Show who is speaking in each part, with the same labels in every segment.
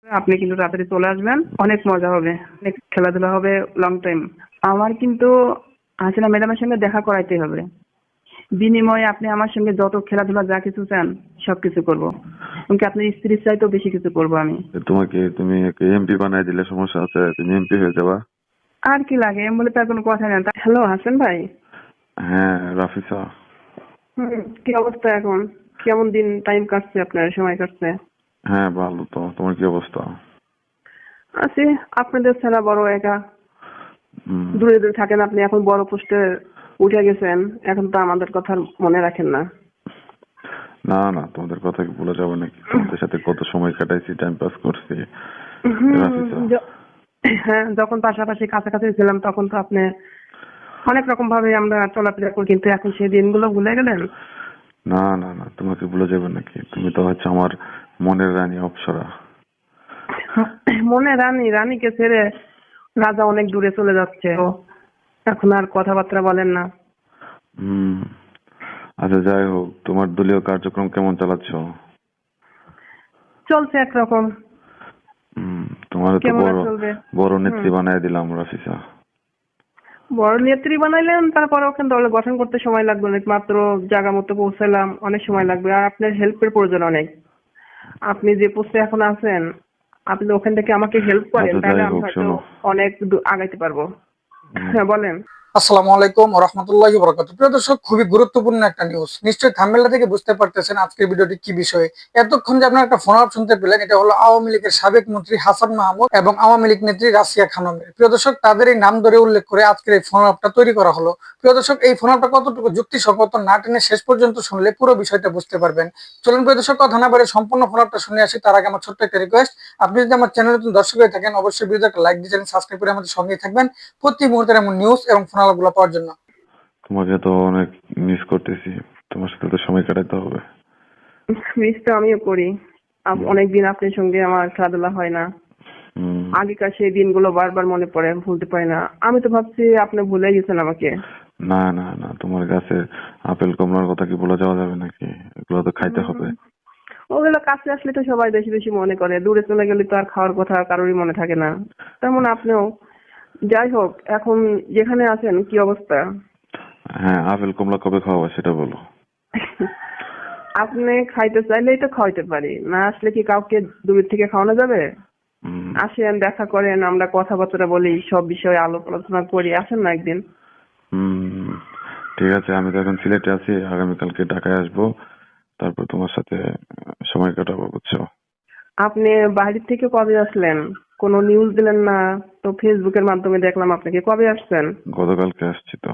Speaker 1: আপনি কিন্তু তাড়াতাড়ি চলে আসবেন, অনেক মজা হবে, অনেক খেলাধুলা হবে লং টাইম। আমার কিন্তু হাসিনা ম্যাডামের সঙ্গে দেখা করাইতে হবে। বিনিময়ে আপনি আমার সঙ্গে যত খেলাধুলা যা কিছু চান সবকিছু করবো, এমনকি আপনার স্ত্রীর চাইতেও বেশি কিছু করবো আমি।
Speaker 2: তুমি এমপি বানাই দিলে সমস্যা আছে, তুমি এমপি হয়ে যাবা।
Speaker 1: আর কি লাগে, এম বলে তার কোনো কথা নেই। হ্যালো হাসান ভাই।
Speaker 2: হ্যাঁ রাফিসা।
Speaker 1: কি অবস্থা এখন? কেমন দিন টাইম কাটছে, আপনার সময় কাটছে?
Speaker 2: হ্যাঁ ভালো। তো তোমার কি অবস্থা?
Speaker 1: আছি, আপনাদের ছাড়া বড় একা।
Speaker 2: হুম।
Speaker 1: দূরে দূরে থাকেন আপনি, এখন বড় পোস্টে উঠে গেছেন, এখন তো আমাদের কথা মনে রাখেন না।
Speaker 2: না না, তোমাদের কথা কি ভুলে যাবো নাকি? তোমাদের সাথে কত সময় কাটাইছি, টাইম পাস করছি রাফিসা।
Speaker 1: হ্যাঁ, যখন পাশাপাশি কাছাকাছি ছিলাম তখন তো আপনি অনেক রকম ভাবে আমরা চলাফেরা করি, কিন্তু এখন সেই দিনগুলো ভুলে গেলেন।
Speaker 2: না না না, তোমাকে ভুলে যাবে নাকি? তুমি তো হচ্ছে আমার মনের রানী অপ্সরা।
Speaker 1: মনে রানীকে ছেড়ে রাজা অনেক দূরে চলে যাচ্ছে, এখন আর কথাবার্তা বলেন না।
Speaker 2: হুম। আচ্ছা যাই হোক, তোমার দলীয় কার্যক্রম কেমন চালাচ্ছ?
Speaker 1: চলছে একরকম।
Speaker 2: তোমার তো
Speaker 1: কেমন আর
Speaker 2: বড়
Speaker 1: চলবে?
Speaker 2: বড় নেত্রী বানাই দিলাম রাফিসা।
Speaker 1: বড় নেত্রী বানাইলেন, তারপরে ওখানে দল গঠন করতে সময় লাগবে অনেক, মাত্র জায়গা মতো পৌঁছালাম, অনেক সময় লাগবে। আর আপনার হেল্পের প্রয়োজন অনেক। আপনি যে পোস্টে এখন আছেন, আপনি ওখান থেকে আমাকে হেল্প করেন,
Speaker 2: আচ্ছা
Speaker 1: তাহলে
Speaker 2: যাই
Speaker 1: আমি
Speaker 2: হোক,
Speaker 1: হয়তো
Speaker 2: শোনো।
Speaker 1: অনেক আগাইতে পারবো। হ্যাঁ বলেন।
Speaker 3: আসসালামু আলাইকুম ওয়া রাহমাতুল্লাহি ওয়া বারাকাতুহু। প্রিয় দর্শক, খুবই গুরুত্বপূর্ণ একটা নিউজ। নিশ্চয়ই থাম্বনেলটা থেকে বুঝতে পারতেছেন আজকের ভিডিওটি কি বিষয়ে। এতক্ষণ যে আপনারা একটা ফোন আপ শুনতে পেলেন, এটা হলো আওয়ামী লীগের সাবেক মন্ত্রী হাসান মাহমুদ এবং আওয়ামী লীগ নেত্রী রাশিয়া খানমের। প্রিয় দর্শক, তাদের এই নাম ধরে উল্লেখ করে আজকের এই ফোন আপটা তৈরি করা হলো। প্রিয় দর্শক, এই ফোন আপটা কতটুকু যুক্তিসঙ্গত না টেনে শেষ পর্যন্ত শুনলে পুরো বিষয়টা বুঝতে পারবেন। চলুন প্রিয় দর্শক, কথা না বলে সম্পূর্ণ ফোন আপটা শুনে আসি। তার আগে আমার ছোট্ট একটা রিকোয়েস্ট, আপনি যদি আমার চ্যানেলে নতুন দর্শক হয়ে থাকেন, অবশ্যই ভিডিওতে একটা লাইক দিয়ে চ্যানেল সাবস্ক্রাইব করে আমাদের সঙ্গেই থাকবেন প্রতি মুহূর্তের এমন নিউজ এবং ফোন আলাপগুলো পাওয়ার জন্য।
Speaker 2: তোমাকে তো অনেক মিস করতেছি, তোমার সাথে তো সময় কাটাতে হবে।
Speaker 1: মিস তো আমিও করি। অনেকদিন আপনার সঙ্গে আমার খেলাধুলা হয় না।
Speaker 2: হুম।
Speaker 1: আগেকার সেই দিনগুলো বারবার মনে পড়ে, ভুলতে পারি না। আমি তো ভাবছি আপনি ভুলে গেছেন আমাকে।
Speaker 2: না না না, তোমার কাছে আপেল কমলার কথা কি বলে যাওয়া যাবে নাকি? এগুলো তো খাইতে হবে।
Speaker 1: ওগুলো কাছে আসলে তো সবাই বেশি বেশি মনে করে, দূরে চলে গেলে তো আর খাওয়ার কথা কারোরই মনে থাকে না। তেমন আপনিও। যাই হোক, এখন যেখানে আছেন কি অবস্থা?
Speaker 2: হ্যাঁ, আপেল কমলা কবে খাওয়াবো সেটা বলো।
Speaker 1: আপনি খাইতে চাইলেই তো খাওয়াইতে পারি, না আসলে কি কাউকে দূর থেকে খাওয়ানো যাবে?
Speaker 2: হুম।
Speaker 1: আসেন, দেখা করেন, আমরা কথাবার্তা বলি, সব বিষয়ে আলোচনা করি। আসেন না একদিন।
Speaker 2: হুম। ঠিক আছে, আমি তো এখন সিলেটে আছি, আগামীকালকে ঢাকায় আসবো, তারপর তোমার সাথে সময় কাটাবো, বুঝছো?
Speaker 1: আপনি বাইরে থেকে কবে আসলেন? কোনো নিউজ দিলেন না তো, ফেসবুকের মাধ্যমে দেখলাম আপনাকে। কবে আসছেন?
Speaker 2: গতকালকে আসছি তো।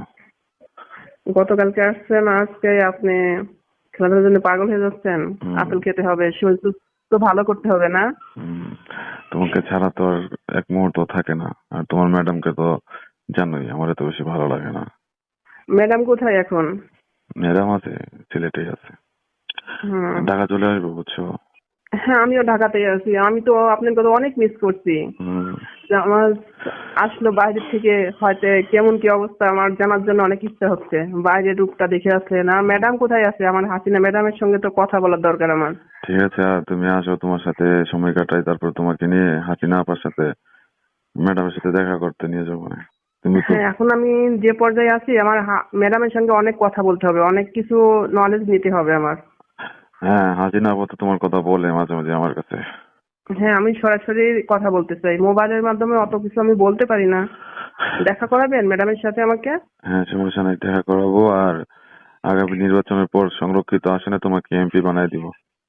Speaker 1: গতকালকে আসছেন, আজকে আপনি খেলাধুলার জন্য পাগল হয়ে যাচ্ছেন। আপেল খেতে হবে, শরীর সুস্থ ভালো করতে হবে না?
Speaker 2: হুম। তোমাকে ছাড়া তো আর এক মুহূর্ত থাকে না, আর তোমার ম্যাডামকে তো জানোই আমার এত বেশি ভালো লাগে না।
Speaker 1: ম্যাডাম কোথায় এখন?
Speaker 2: ম্যাডাম আছে, সিলেটেই আছে।
Speaker 1: হুম।
Speaker 2: ঢাকা চলে আসবো, বুঝছো?
Speaker 1: হ্যাঁ, আমিও ঢাকাতেই আছি। আমি তো আপনার কথা অনেক মিস করছি।
Speaker 2: হুম।
Speaker 1: যে আমার আসলো বাইরে থেকে, হয়তো কেমন কি অবস্থা আমার জানার জন্য অনেক ইচ্ছা হচ্ছে। বাইরের রূপটা দেখে আসলেন। আর ম্যাডাম কোথায় আছে? আমার হাসিনা ম্যাডামের সঙ্গে তো কথা বলার দরকার আমার।
Speaker 2: ঠিক আছে, আর তুমি আসো, তোমার সাথে সময় কাটাই, তারপর তোমাকে নিয়ে হাসিনা আপার সাথে ম্যাডামের সাথে দেখা করতে নিয়ে যাবো না? তুমি তো।
Speaker 1: হ্যাঁ, এখন আমি যে পর্যায়ে আছি, আমার ম্যাডামের সঙ্গে অনেক কথা বলতে হবে, অনেক কিছু নলেজ নিতে হবে আমার।
Speaker 2: হ্যাঁ, হাসিনা আপা তো তোমার কথা বলে মাঝে মাঝে আমার কাছে।
Speaker 1: হ্যাঁ, আমি সরাসরি কথা বলতে চাই। মোবাইলের মাধ্যমে অত কিছু আমি বলতে পারি না। দেখা করাবেন ম্যাডামের সাথে আমাকে?
Speaker 2: হ্যাঁ, সমস্যা নাই, দেখা করাবো। আর আগামী নির্বাচনের পর সংরক্ষিত আসনে তোমাকে এমপি বানাই দিব।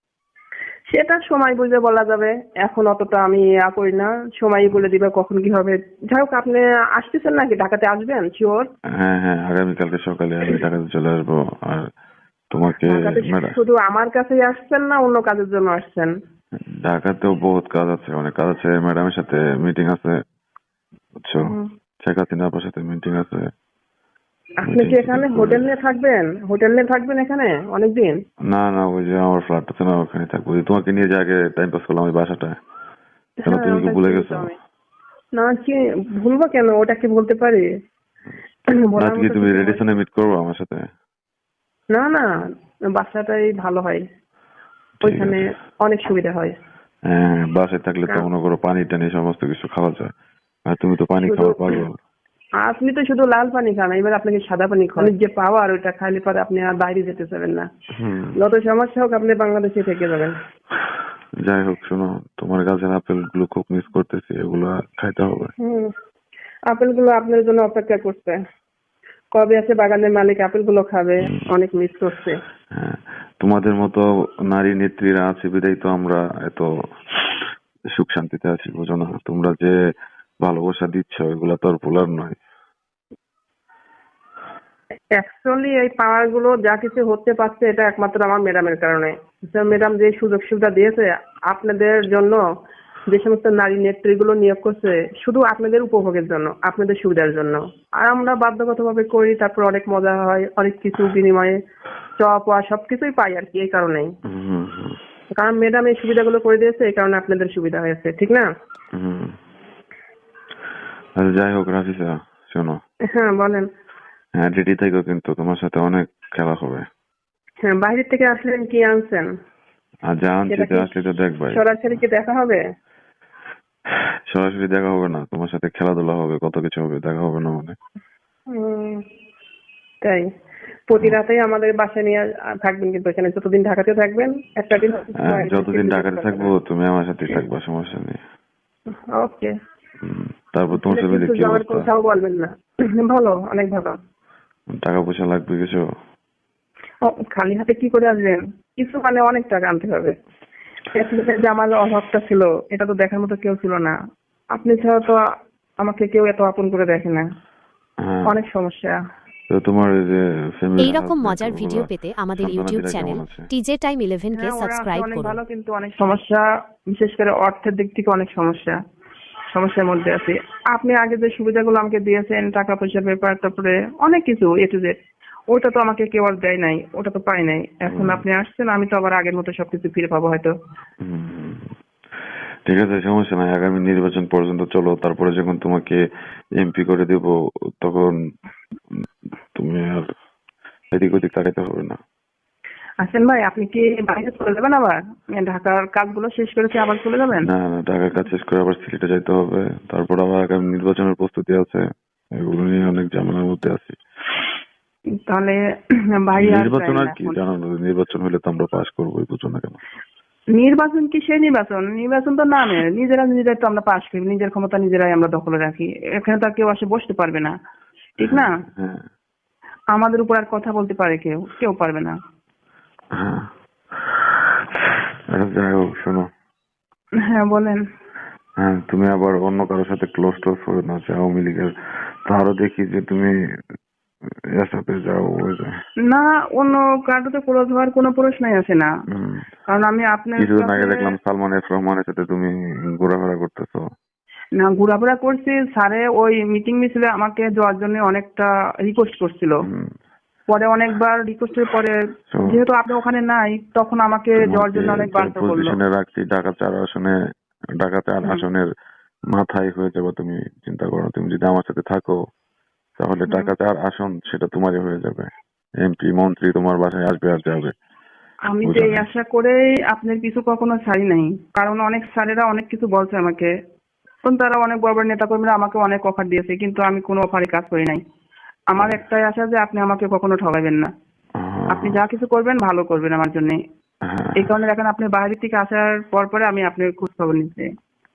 Speaker 1: সেটা সময় বুঝে বলা যাবে। এখন অতটা আমি করি না। সময় বলে দিবে কখন কি হবে। যাই হোক, আপনি আসতেছেন নাকি? ঢাকাতে আসবেন শিওর?
Speaker 2: হ্যাঁ হ্যাঁ, আগামীকালকে সকালে আমি ঢাকাতে চলে আসবো। আর তোমাকে
Speaker 1: ঢাকাতে
Speaker 2: ম্যাডাম,
Speaker 1: শুধু আমার কাছেই আসছেন না অন্য কাজের জন্য আসছেন?
Speaker 2: ঢাকাতেও বহুত কাজ আছে, অনেক কাজ আছে। ম্যাডামের সাথে মিটিং আছে, বুঝছো?
Speaker 1: হুম।
Speaker 2: শেখ হাসিনা আপার সাথে মিটিং আছে।
Speaker 1: আপনি
Speaker 2: মিটিং
Speaker 1: কি
Speaker 2: টিটিং
Speaker 1: এখানে
Speaker 2: করে।
Speaker 1: হোটেল নিয়ে থাকবেন? হোটেল নিয়ে থাকবেন এখানে অনেকদিন?
Speaker 2: না না, ওই যে আমার ফ্ল্যাট আছে না, ওখানে থাকবো। ওই তোমাকে নিয়ে যে আগে টাইম পাস করলাম ওই বাসাটায়, কেন
Speaker 1: হ্যাঁ,
Speaker 2: তুমি কি
Speaker 1: ওটা
Speaker 2: ভুলে
Speaker 1: চিনি তো
Speaker 2: গেছো?
Speaker 1: আমি। না, কি ভুলবো কেন? ওটা কি বলতে পারি? বলার
Speaker 2: আজকে
Speaker 1: মতো
Speaker 2: তুমি
Speaker 1: কিছু হয়।
Speaker 2: রেডিসনে মিট করবো আমার সাথে?
Speaker 1: না না, বাসাটাই ভালো হয়।
Speaker 2: ঠিক
Speaker 1: ওইখানে
Speaker 2: আছে।
Speaker 1: অনেক সুবিধা হয়।
Speaker 2: হ্যাঁ, বাসায় থাকলে তো মনে করো পানি টানি সমস্ত কিছু খাওয়া যায়, আর তুমি তো পানি
Speaker 1: শুধু
Speaker 2: খাওয়ার পাগল।
Speaker 1: আপনি তো শুধু লাল পানি খান, এবার আপনাকে সাদা পানি খান, যে পাওয়ার ওইটা খাইলে পরে আপনি আর বাইরে যেতে চাবেন না।
Speaker 2: হুম।
Speaker 1: যত সমস্যা হোক আপনি বাংলাদেশে থেকে যাবেন।
Speaker 2: যাই হোক, শোনো, তোমার গাছের আপেল গুলো খুব মিস করতেছি, এগুলো খাইতে হবে।
Speaker 1: আপেলগুলো আপনার জন্য অপেক্ষা করছে, কবে আছে বাগানের মালিক আপেলগুলো খাবে, অনেক মিস করছে।
Speaker 2: হ্যাঁ, তোমাদের মতো নারী নেত্রীরা আছে বিধায় তো আমরা এত সুখ শান্তিতে আছি, বুঝো না? তোমরা যে ভালোবাসা দিচ্ছ এগুলা তো আর ভোলার নয়।
Speaker 1: অ্যাকচুয়ালি এই পাওয়ার গুলো যা কিছু হতে পারছে এটা একমাত্র আমার ম্যাডামের কারণে। ম্যাডাম যে সুযোগ সুবিধা দিয়েছে আপনাদের জন্য, যে সমস্ত নারী নেত্রীগুলো নিয়োগ করছে শুধু আপনাদের উপভোগের জন্য, আপনাদের সুবিধার জন্য। আর আমরা বাধ্যগতভাবে করি, তারপর অনেক মজা হয়, অনেক কিছু বিনিময়ে চপ আর সবকিছুই পাই আর কি। এই কারণেই, কারণ ম্যাডাম এই সুবিধাগুলো করে দিয়েছে, এই কারণে আপনাদের সুবিধা হয়েছে, ঠিক না?
Speaker 2: আচ্ছা, যাই হোক রাফিসা, শোনো।
Speaker 1: হ্যাঁ বলেন।
Speaker 2: হ্যাঁ, রেডি থেকো, কিন্তু তোমার সাথে অনেক খেলা হবে।
Speaker 1: হ্যাঁ, বাইরে থেকে আসলেন, কি আনছেন?
Speaker 2: আর যা আনছি তো আসলে তো দেখবাই।
Speaker 1: সরাসরি কি দেখা হবে?
Speaker 2: সরাসরি দেখা হবে না, তোমার সাথে খেলাধুলা হবে, কত কিছু হবে, দেখা হবে না মানে।
Speaker 1: তাই প্রতি রাতেই আমাদের বাসায় নিয়ে থাকবেন, কিন্তু এখানে যতদিন ঢাকাতে থাকবেন একটা দিন
Speaker 2: যতদিন ঢাকাতে থাকবো তুমি আমার সাথে থাকবা, সমস্যা নেই।
Speaker 1: ওকে।
Speaker 2: তারপর তোমার ফ্যামিলি কি অবস্থা?
Speaker 1: কোথাও বলবেন না। ভালো, অনেক ভালো।
Speaker 2: টাকা পয়সা লাগবে কিছু?
Speaker 1: খালি হাতে কি করে আসবেন? কিছু মানে অনেক টাকা আনতে হবে। যে আমার অভাবটা ছিল এটা তো দেখার মতো কেউ ছিল না, আপনি ছাড়া তো আমাকে কেউ এত আপন করে দেখে না। অনেক সমস্যা।
Speaker 2: তো তোমার যে ফ্যামিলি,
Speaker 4: এইরকম মজার ভিডিও পেতে আমাদের ইউটিউব চ্যানেল টিজে টাইম 11 কে সাবস্ক্রাইব
Speaker 1: অনেক
Speaker 4: করুন।
Speaker 1: ভালো, কিন্তু অনেক সমস্যা, বিশেষ করে অর্থের দিক থেকে অনেক সমস্যার মধ্যে আছি। আপনি আগে যে সুবিধাগুলো আমাকে দিয়েছেন, টাকা পয়সার ব্যাপার, তারপরে অনেক কিছু এ টু জেড, ওটা তো আমাকে কেউ আর দেয় নাই, ওটা তো পাই নাই। এখন আপনি আসছেন, আমি তো আবার আগের মতো সবকিছু ফিরে পাবো হয়তো।
Speaker 2: ঠিক আছে, সমস্যা নাই। আগামী নির্বাচন পর্যন্ত চলো, তারপরে যখন তোমাকে এমপি করে দেব তখন তুমি আর এদিক ওদিক তাকাইতে হবে না।
Speaker 1: আসেন ভাই, আপনি কি বাইরে চলে যাবেন আবার? ঢাকার কাজগুলো শেষ করেছে আবার চলে যাবেন?
Speaker 2: না না, ঢাকার কাজ শেষ করে আবার সিলেটে যাইতে হবে, তারপর আবার আগামী নির্বাচনের প্রস্তুতি আছে, এগুলো নিয়ে অনেক ঝামেলার মধ্যে আছি।
Speaker 1: তাহলে ভাই
Speaker 2: নির্বাচন আর কি জানো, নির্বাচন হলে তো আমরা পাস করবোই, বুঝো না কেন?
Speaker 1: নির্বাচন কি সেই নির্বাচন তো নামে, নিজেরাই তো আমরা পাশ করি, নিজের ক্ষমতা নিজেরাই আমরা দখলে রাখি, এখানে তো আর কেউ এসে বসতে পারবে না, ঠিক না?
Speaker 2: হ্যাঁ,
Speaker 1: আমাদের উপর আর কথা বলতে পারে কেউ পারবে না।
Speaker 2: হ্যাঁ। যাই হোক, শোনো।
Speaker 1: হ্যাঁ বলেন।
Speaker 2: হ্যাঁ, তুমি আবার অন্য কারোর সাথে ক্লোজ টোজ করে না, আওয়ামী লীগের। তো আরো দেখি যে তুমি এর সাথে যাও।
Speaker 1: না, অন্য কারোতে ক্লোজ হওয়ার কোনো প্রশ্নই আসে না, কারণ আমি আপনার
Speaker 2: কিছুদিন আগে দেখলাম সালমান এফ রহমানের সাথে তুমি ঘোরাফেরা করতেছো।
Speaker 1: না, ঘোরাফেরা করছি, স্যারে ওই মিটিং মিছিলে আমাকে যাওয়ার জন্য অনেকটা রিকোয়েস্ট করছিল, পরে অনেকবার রিকোয়েস্টের পরে যেহেতু আপনি ওখানে নাই, তখন আমাকে যাওয়ার জন্য অনেক বাধ্য করলো।
Speaker 2: পজিশনে রাখছি, ঢাকা 4 আসনের মাথায় হয়ে যাবে। তুমি চিন্তা করো, তুমি যদি আমার সাথে থাকো তাহলে ঢাকা 4 আসন সেটা তোমারই হয়ে যাবে, এমপি মন্ত্রী তোমার বাসায় আসবে আর যাবে।
Speaker 1: আমি তো এই আশা করেই আপনার কিছু কখনো ছাড়ি নাই, কারণ অনেক স্যারেরা অনেক কিছু বলছে আমাকে, তারা অনেক বড় বড় নেতা কর্মীরা আমাকে অনেক অফার দিয়েছে, কিন্তু আমি কোনো অফারে কাজ করি নাই। আমার একটাই আশা যে আপনি আমাকে কখনো ঠকাবেন না, আপনি যা কিছু করবেন ভালো করবেন আমার জন্য। এই কারণে এখন আপনি বাইরে থেকে আসার পরে আমি আপনার খোঁজ খবর নিচ্ছি।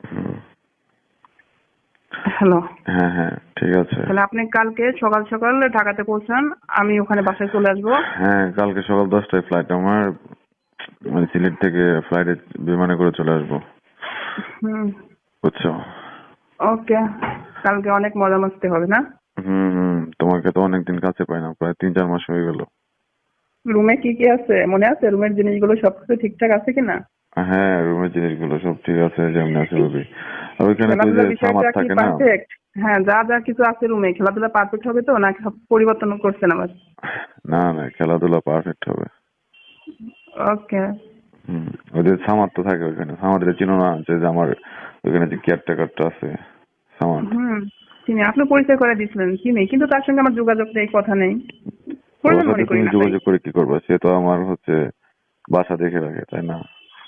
Speaker 1: হ্যালো।
Speaker 2: হ্যাঁ হ্যাঁ, ঠিক আছে।
Speaker 1: তাহলে আপনি কালকে সকাল সকাল ঢাকাতে পৌঁছান, আমি ওখানে বাসায় চলে আসবো।
Speaker 2: হ্যাঁ, কালকে সকাল 10টায় ফ্লাইট আমার, মানে সিলেট থেকে ফ্লাইটে বিমানে করে চলে আসবো, বুঝছো?
Speaker 1: ওকে, কালকে অনেক মজা মাস্তি হবে না?
Speaker 2: তোমাকে তো অনেকদিন কাছে পাই না, প্রায় 3-4 মাস হয়ে গেল।
Speaker 1: রুমে কি কি আছে মনে আছে? রুমের জিনিসগুলো সবকিছু ঠিকঠাক আছে কিনা?
Speaker 2: হ্যাঁ, রুমের জিনিসগুলো সব ঠিক আছে, যেমন আছে ভাবি। আর ওইখানে তো যে সামার থাকে না।
Speaker 1: হ্যাঁ, যা কিছু আছে রুমে, খেলাধুলা পারফেক্ট হবে তো, নাকি সব পরিবর্তন করছেন আবার?
Speaker 2: না না, খেলাধুলা পারফেক্ট হবে।
Speaker 1: ওকে।
Speaker 2: ওদের সামার তো থাকে ওইখানে, সামারে চিনো না যে আমার ওইখানে যে কেয়ারটেকারটা আছে সামার?
Speaker 1: চিনি, আপনি পরিচয় করে দিয়েছিলেন, চিনি, কিন্তু তার সঙ্গে আমার যোগাযোগ নেই, কথা নেই।
Speaker 2: তুমি যোগাযোগ করে কি করবা? সে তো আমার বাসা দেখে রাখে, তাই না?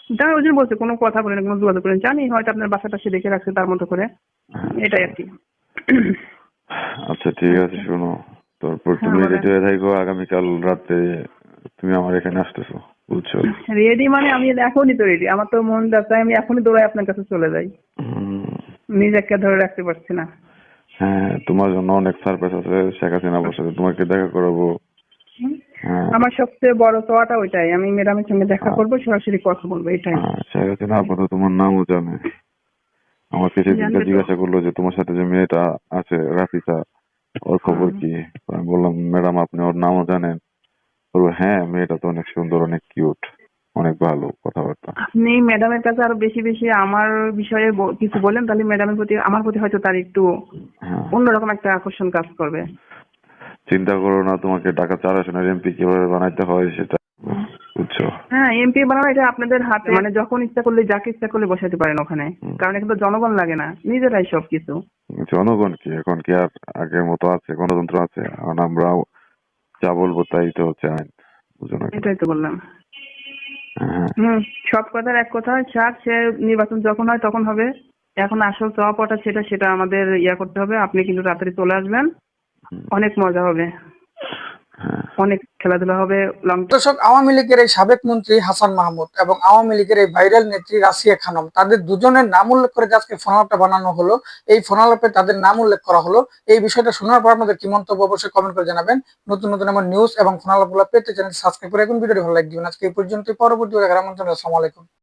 Speaker 1: তাই ওই জন্য বলছে কোনো কথা বলেন, কোনো যোগাযোগ করেন, জানি হয়তো আপনার বাসাটা সে দেখে রাখছে তার মতো করে, এটাই আর কি।
Speaker 2: আচ্ছা ঠিক আছে, শোনো, তারপর
Speaker 1: হ্যাঁ,
Speaker 2: তুমি
Speaker 1: বলেন।
Speaker 2: রেডি হয়ে থাকো, আগামীকাল রাতে তুমি আমার এখানে আসতেছো, বুঝছো?
Speaker 1: রেডি মানে আমি এখনই তো রেডি, আমার তো মন যাচ্ছে আমি এখনই দৌড়াই আপনার কাছে চলে যাই,
Speaker 2: হুম,
Speaker 1: নিজেকে ধরে রাখতে পারছি না।
Speaker 2: হ্যাঁ, তোমার জন্য অনেক সারপ্রাইজ আছে, শেখ হাসিনা বসে তোমাকে দেখা করাবো।
Speaker 1: হুম।
Speaker 2: হ্যাঁ,
Speaker 1: আমার সবচেয়ে বড় চাওয়াটা ওইটাই, আমি ম্যাডামের সঙ্গে দেখা করবো, সরাসরি কথা বলবো, এটাই।
Speaker 2: শেখ হাসিনা আপাতত তোমার নামও জানে। আমাকে সেদিনকে
Speaker 1: জানবে তো।
Speaker 2: জিজ্ঞাসা করলো যে তোমার সাথে যে মেয়েটা আছে রাফিসা, ওর খবর কি? আমি বললাম ম্যাডাম আপনি ওর নামও জানেন? বলবো হ্যাঁ, মেয়েটা তো অনেক সুন্দর, অনেক কিউট, অনেক ভালো কথাবার্তা।
Speaker 1: আপনি ম্যাডামের কাছে আরো বেশি বেশি আমার বিষয়ে কিছু বলেন, তাহলে ম্যাডামের প্রতি, আমার প্রতি হয়তো তার একটু
Speaker 2: হ্যাঁ,
Speaker 1: অন্যরকম একটা আকর্ষণ কাজ করবে।
Speaker 2: চিন্তা করো না, তোমাকে ঢাকা 4 আসনের এমপি কিভাবে বানাইতে হয় সেটা, বুঝছো?
Speaker 1: হ্যাঁ, এমপি বানানো এটা আপনাদের হাতে, মানে যখন ইচ্ছা করলে যাকে ইচ্ছা করলে বসাতে পারেন ওখানে, কারণ এখানে তো জনগণ লাগে না, নিজেরাই সবকিছু।
Speaker 2: জনগণ কি এখন কি আর আগের মতো আছে? গণতন্ত্র আছে? এখন আমরা যা বলবো তাই তো হচ্ছে আইন, বুঝো না কেন?
Speaker 1: এটাই তো বললাম।
Speaker 2: হ্যাঁ,
Speaker 1: সব কথার এক কথা, স্যার সে নির্বাচন যখন হয় তখন হবে, এখন আসল চাওয়া পাওয়াটা সেটা আমাদের করতে হবে। আপনি কিন্তু তাড়াতাড়ি চলে আসবেন, অনেক মজা হবে,
Speaker 2: হ্যাঁ,
Speaker 1: অনেক খেলাধুলা হবে, লং।
Speaker 3: দর্শক, আওয়ামী লীগের এই সাবেক মন্ত্রী হাসান মাহমুদ এবং আওয়ামী লীগের এই ভাইরাল নেত্রী রাশিয়া খানম, তাদের দুজনের নাম উল্লেখ করে যে আজকে ফোন আলাপটা বানানো হলো, এই ফোন আলাপে তাদের নাম উল্লেখ করা হলো। এই বিষয়টা শোনার পর আপনাদের কি মন্তব্য অবশ্যই কমেন্ট করে জানাবেন। নতুন নতুন আমার নিউজ এবং ফোন আলাপগুলো পেতে চ্যানেল সাবস্ক্রাইব করে এখন ভিডিওটি ভালো লাইক দিবেন। আজকে এই পর্যন্ত, পরবর্তী দেখার আমন্ত্রণ। আসসালামু আলাইকুম।